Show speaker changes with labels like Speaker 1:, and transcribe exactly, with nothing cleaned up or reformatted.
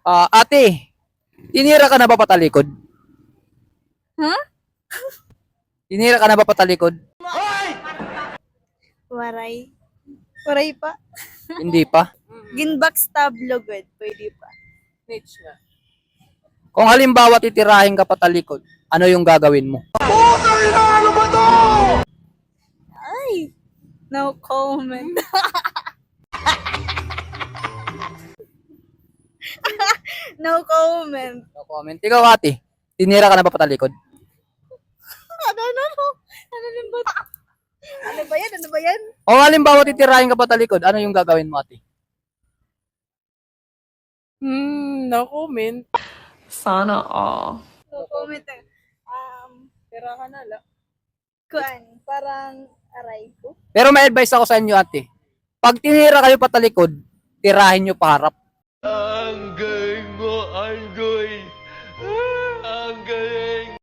Speaker 1: Ah, ate, tinira ka na ba patalikod?
Speaker 2: Huh?
Speaker 1: Tinira ka na ba patalikod?
Speaker 2: Waray. Waray pa.
Speaker 1: Hindi pa.
Speaker 2: Ginbackstab lugod. Pwede pa.
Speaker 1: Kung halimbawa titirahin ka patalikod, ano yung gagawin mo?
Speaker 2: Ay! No comment. No comment.
Speaker 1: No comment. Ikaw ate, tinira ka na ba patalikod?
Speaker 2: Ano, ano, ano? Ano din ba? Ano ba yan? Ano ba yan?
Speaker 1: Kung halimbawa titirahin ka patalikod, ano yung gagawin mo ate?
Speaker 3: Hmm, no comment.
Speaker 4: Sana all.
Speaker 2: No comment. eh. Um,
Speaker 3: Tira ka na lang.
Speaker 2: kuan, parang aray ko.
Speaker 1: Pero may advice ako sa inyo ate. Pag tinira kayo patalikod, tirahin nyo paharap.
Speaker 5: Ang galing mo, Anggoy. Ang galing.